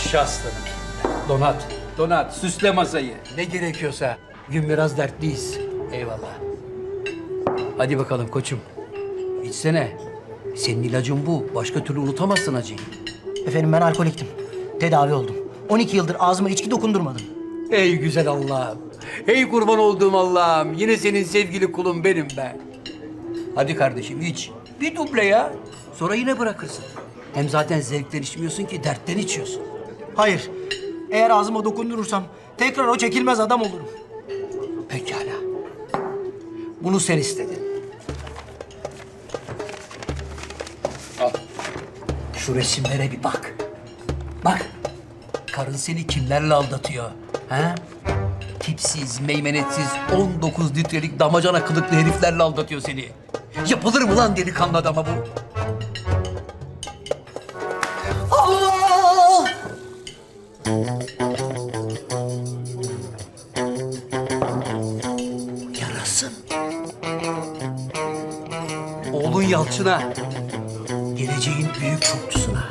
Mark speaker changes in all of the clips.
Speaker 1: Yaşa aslanım. Donat, donat. Süsle masayı. Ne gerekiyorsa. Gün biraz dertliyiz. Eyvallah. Hadi bakalım koçum. İçsene. Senin ilacın bu. Başka türlü unutamazsın acıyı.
Speaker 2: Efendim ben alkoliktim. Tedavi oldum. 12 yıldır ağzıma içki dokundurmadım.
Speaker 1: Ey güzel Allah'ım. Ey kurban olduğum Allah'ım. Yine senin sevgili kulun benim be. Hadi kardeşim iç. Bir duble ya. Sonra yine bırakırsın. Hem zaten zevkten içmiyorsun ki dertten içiyorsun.
Speaker 2: Hayır. Eğer ağzıma dokundurursam tekrar o çekilmez adam olurum.
Speaker 1: Pekala. Bunu sen istedin. Al. Şu resimlere bir bak. Bak. Karın seni kimlerle aldatıyor? Ha? Tipsiz, meymenetsiz, 19 litrelik damacana kılıklı heriflerle aldatıyor seni. Yapılır mı lan delikanlı adama bu? Allah! Yarasın. Oğlun Yalçın'a, geleceğin büyük çokçusuna.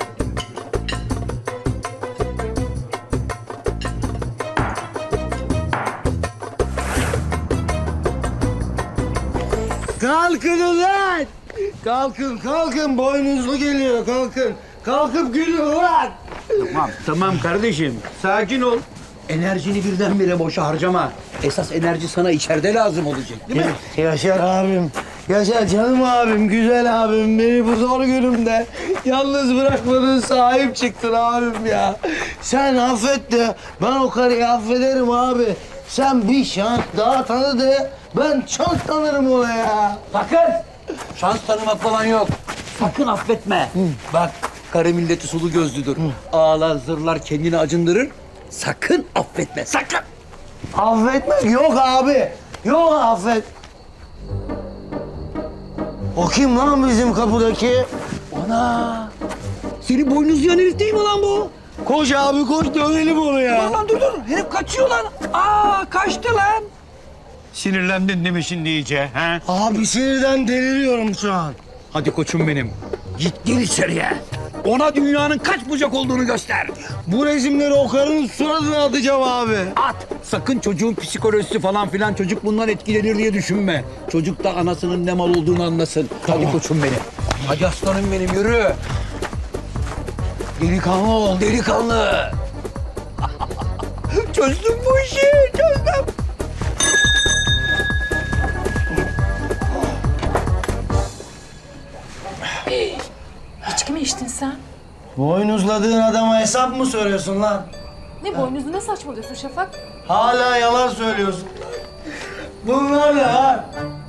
Speaker 3: Kalkın ulan! Kalkın, kalkın. Boynuzlu geliyor, kalkın. Kalkıp gülün ulan!
Speaker 1: Tamam kardeşim, sakin ol. Enerjini birdenbire boşa harcama. Esas enerji sana içeride lazım olacak, değil mi?
Speaker 3: Yaşar abim, yaşar canım abim, güzel abim. Beni bu zor günümde yalnız bırakmadın, sahip çıktın abim ya. Sen affet de ben o karıyı affederim abi. Sen bir şans daha tanı de ben çok tanırım ona ya.
Speaker 1: Sakın! Şans tanımak falan yok. Sakın affetme. Bak, karı milleti sulu gözlüdür. Ağlar, zırlar, kendini acındırır. Sakın affetme, sakın!
Speaker 3: Affetmek yok abi. Yok affet. O kim lan bizim kapıdaki?
Speaker 1: Ana! Senin boynuzlayan herif değil mi lan bu?
Speaker 3: Koş abi koş dövelim onu ya.
Speaker 1: Lan dur, herif kaçıyor lan. Aa, kaçtı lan.
Speaker 4: Sinirlendin değil mi şimdi iyice? Ha?
Speaker 3: Abi sinirden deliriyorum şu an.
Speaker 1: Hadi koçum benim. Git gir içeriye. Ona dünyanın kaç bucak olduğunu göster.
Speaker 3: Bu resimleri o karının suratına atacağım abi.
Speaker 1: At. Sakın çocuğun psikolojisi falan filan çocuk bundan etkilenir diye düşünme. Çocuk da anasının ne mal olduğunu anlasın. Hadi koçum benim. Hadi aslanım benim yürü. Delikanlı ol delikanlı. Çözdüm bu işi çözdüm.
Speaker 5: İçki mi içtin sen?
Speaker 3: Boynuzladığın adama hesap mı soruyorsun lan?
Speaker 5: Ne boynuzu ne saçmalıyorsun Şafak?
Speaker 3: Hala yalan söylüyorsun. Bunlar ne ha?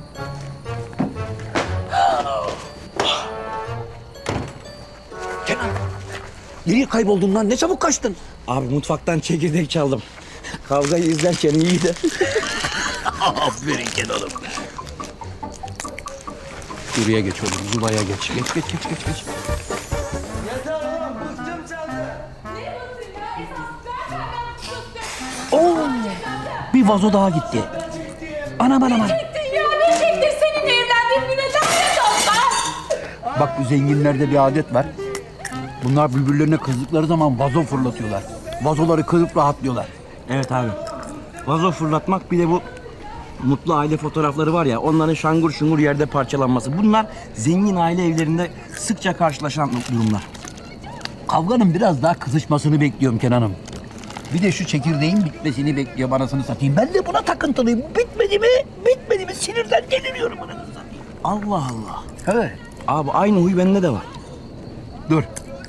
Speaker 1: Kenan. Nereye kayboldun lan? Ne çabuk kaçtın?
Speaker 3: Abi mutfaktan çekirdek çaldım. Kavgayı izlerken iyiydi.
Speaker 1: Aferin Kenan'ım. Şuraya geç oğlum. Zula'ya geç. Geç.
Speaker 3: Yeter oğlum bıktım senden.
Speaker 1: Oo! Bir vazo daha gitti. Anam.
Speaker 5: Ya ne çektir seninle evlendiğim güne lanet olsun!
Speaker 1: Bak bu zenginlerde bir adet var. Bunlar birbirlerine kızdıkları zaman vazo fırlatıyorlar. Vazoları kırıp rahatlıyorlar.
Speaker 6: Evet abi. Vazo fırlatmak bir de bu mutlu aile fotoğrafları var ya onların şangur şungur yerde parçalanması. Bunlar zengin aile evlerinde sıkça karşılaşan durumlar.
Speaker 1: Kavganın biraz daha kızışmasını bekliyorum Kenan'ım. Bir de şu çekirdeğin bitmesini bekliyorum anasını satayım. Ben de buna takıntılıyım. Bitmedi mi? Sinirden deliriyorum anasını satayım.
Speaker 6: Allah Allah.
Speaker 1: Evet.
Speaker 6: Abi aynı huy bende de var.
Speaker 1: Dur.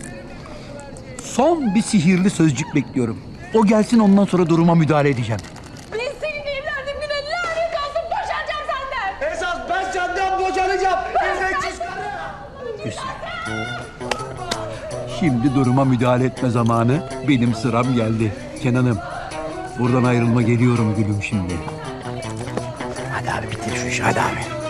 Speaker 1: Son bir sihirli sözcük bekliyorum. O gelsin ondan sonra duruma müdahale edeceğim.
Speaker 5: Ben seninle evlendiğim güne lanet olsun boşanacağım senden!
Speaker 3: Esas ben senden boşanacağım. İzleksiz karı.
Speaker 1: Güzel. Şimdi duruma müdahale etme zamanı. Benim sıram geldi. Kenan'ım, buradan ayrılma geliyorum gülüm şimdi.
Speaker 6: Hadi abi bitir şu işi hadi abi.